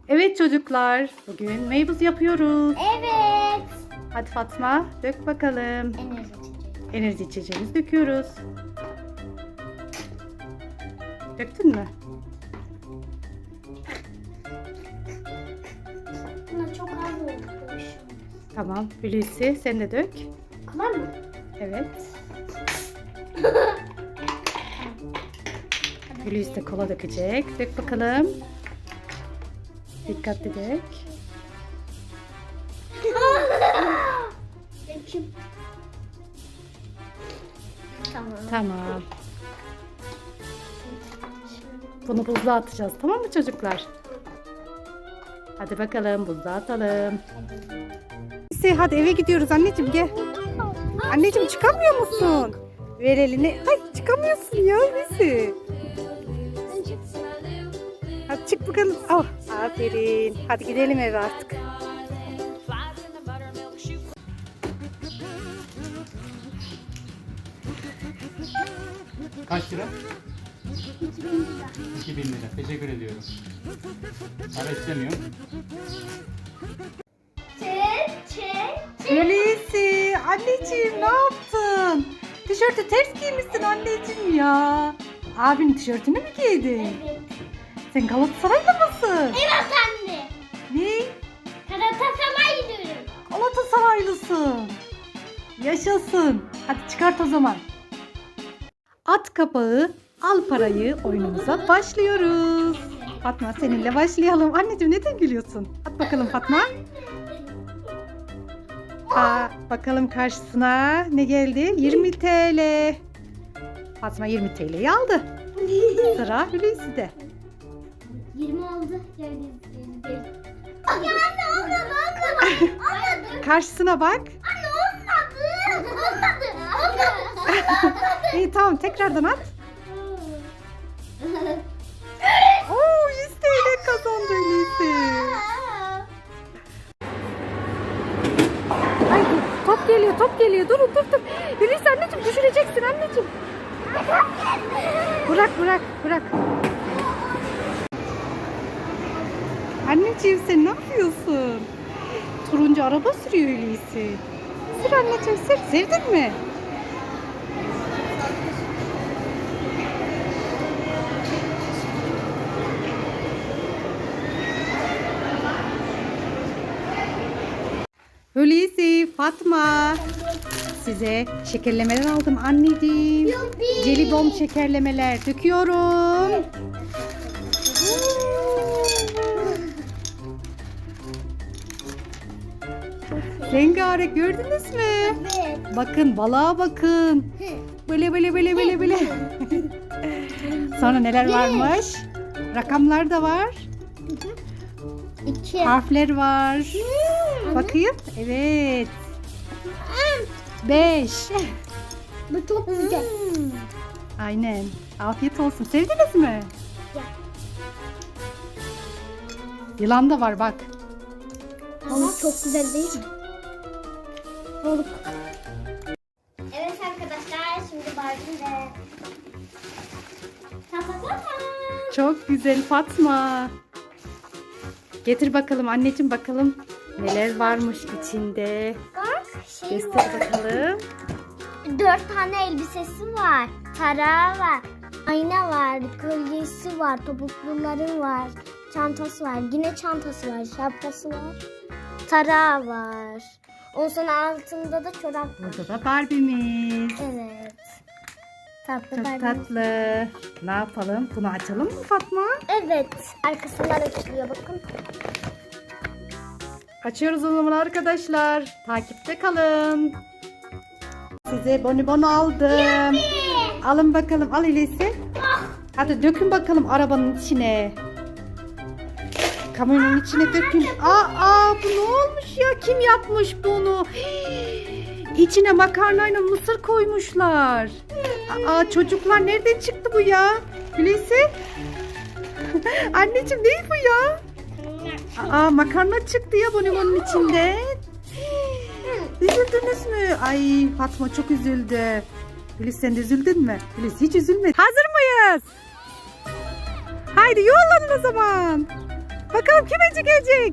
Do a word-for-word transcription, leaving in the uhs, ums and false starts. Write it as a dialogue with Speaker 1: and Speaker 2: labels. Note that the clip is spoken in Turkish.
Speaker 1: Evet çocuklar, bugün meybuz yapıyoruz.
Speaker 2: Evet.
Speaker 1: Hadi Fatma, dök bakalım.
Speaker 2: Enerji içeceği.
Speaker 1: Enerji içeceğimizi döküyoruz. Döktün mü?
Speaker 2: Buna çok az olmuş.
Speaker 1: Tamam, Hulusi sen de dök.
Speaker 2: Kadar mı?
Speaker 1: Evet. Hulusi de kola dökecek. Dök bakalım. Dikkatli dök.
Speaker 2: Döküm. Tamam.
Speaker 1: Tamam. Bunu buzluğa atacağız, tamam mı çocuklar? Hadi bakalım buzluğa atalım. Hulusi hadi eve gidiyoruz anneciğim gel. Anneciğim çıkamıyor musun? Ver elini. Ay çıkamıyorsun ya Hulusi. Hadi çık bakalım. Oh, aferin. Hadi gidelim eve artık.
Speaker 3: Kaç lira? iki bin lira. Teşekkür ediyorum. Para istemiyorum.
Speaker 2: Çek, çek.
Speaker 1: Hulusi anneciğim ne yaptın? Tişörtü ters giymişsin anneciğim ya. Abinin tişörtünü mü giydin?
Speaker 2: Evet.
Speaker 1: Sen Galatasaraylı mısın?
Speaker 2: Evet anne.
Speaker 1: Ne?
Speaker 2: Galatasaray gidiyorum.
Speaker 1: Galatasaraylısın. Yaşasın. Hadi çıkart o zaman. At kapağı, al parayı oyunumuza başlıyoruz. Fatma seninle başlayalım. Anneciğim neden gülüyorsun? At bakalım Fatma. Aa, bakalım karşısına ne geldi? yirmi TL. Fatma yirmi T L'yi aldı. Sıra Hulusi'de.
Speaker 2: yirmi oldu. Yani değil. Ya anne olmadı, olmadı. Olmadı.
Speaker 1: Karşısına bak.
Speaker 2: Anne olmadı. Olmadı. Olmadı.
Speaker 1: İyi tamam tekrardan at. Oo yüz T L kazandı Hulusi. Ay top geliyor top geliyor durun dur dur. Hulusi anneciğim düşüreceksin anneciğim. Bırak bırak bırak. Anneciğim sen ne yapıyorsun? Turuncu araba sürüyor Hulusi. Sür anneciğim sür. Sevdin mi? Hulusi, Fatma. Size şekerlemeler aldım anneciğim.
Speaker 2: Yuppi.
Speaker 1: Jelibon şekerlemeler döküyorum. Rengarenk gördünüz mü?
Speaker 2: Evet.
Speaker 1: Bakın balığa bakın. Böyle böyle böyle böyle böyle. Sonra neler varmış? Rakamlar da var.
Speaker 2: İki.
Speaker 1: Harfler var. Bakayım. Evet. Beş.
Speaker 2: Bu çok güzel.
Speaker 1: Aynen. Afiyet olsun. Sevdiniz mi? Yılan da var bak.
Speaker 2: Ama çok güzel değil mi? Balık. Evet arkadaşlar şimdi Barbie ve Tamam.
Speaker 1: Çok güzel Fatma. Getir bakalım anneciğim bakalım. Neler varmış içinde.
Speaker 2: Bak şey
Speaker 1: Göster
Speaker 2: var.
Speaker 1: bakalım.
Speaker 2: Dört tane elbisesi var. Tarağı var. Ayna var. Kolyesi var. Topukluları var. Çantası var. Yine çantası var. Şapkası var. Tarağı var. Ondan sonra altında da çorap var.
Speaker 1: Burada da Barbie'miz.
Speaker 2: Evet. Tatlı
Speaker 1: Çok
Speaker 2: Barbie.
Speaker 1: tatlı. Ne yapalım? Bunu açalım mı Fatma?
Speaker 2: Evet. Arkasından açılıyor bakın.
Speaker 1: Açıyoruz o zaman arkadaşlar. Takipte kalın. Size bonibon aldım. Alın bakalım. Al Hulusi. Hadi dökün bakalım arabanın içine. Kamyonun içine dökün. Aa, aa bu ne olmuş ya? Kim yapmış bunu? Hii, İçine makarnayla mısır koymuşlar. Aa çocuklar nereden çıktı bu ya? Hulusi? Anneciğim ne bu ya? Aa makarna çıktı ya bonibonun içinde. Üzüldünüz mü? Ay Fatma çok üzüldü. Hulusi sen de üzüldün mü? Hulusi hiç üzülmedi. Hazır mıyız? Haydi yollanın o zaman. Bakalım kim önce gelecek?